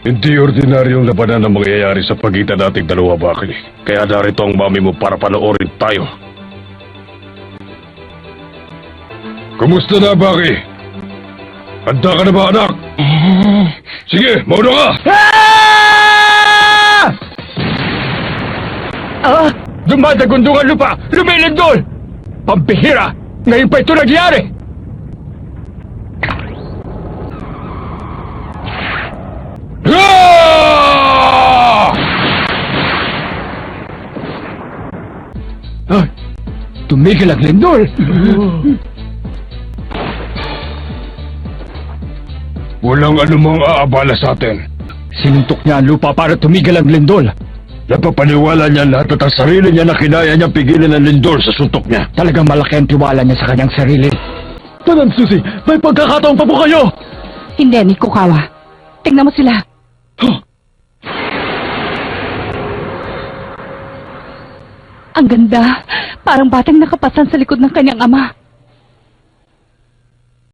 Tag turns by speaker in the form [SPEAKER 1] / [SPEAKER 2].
[SPEAKER 1] Hindi ordinaryong labanan ang mangyayari sa pagitan nating dalawa, Baki. Kaya narito ang mami mo para panoorin tayo. Kumusta na, Baki? Handa ka na ba, anak? Sige, mauna ka!
[SPEAKER 2] Dumadagundong ang lupa! Lumilindol! Pampihira! Ngayon pa ito nagyari! Ay, tumigil ang lindol!
[SPEAKER 1] Walang anumang aabala sa atin.
[SPEAKER 2] Sinuntok niya ang lupa para tumigil ang lindol.
[SPEAKER 1] Napapaniwala niya lahat at ang sarili niya na kinaya niyang pigilan ang lindol sa suntok niya.
[SPEAKER 2] Talagang malaki ang tiwala niya sa kanyang sarili. Madam Susie, may pagkakataon pa po kayo!
[SPEAKER 3] Hindi, Nikukawa. Tingnan mo sila. Ang ganda. Parang batang nakapasan sa likod ng kanyang ama.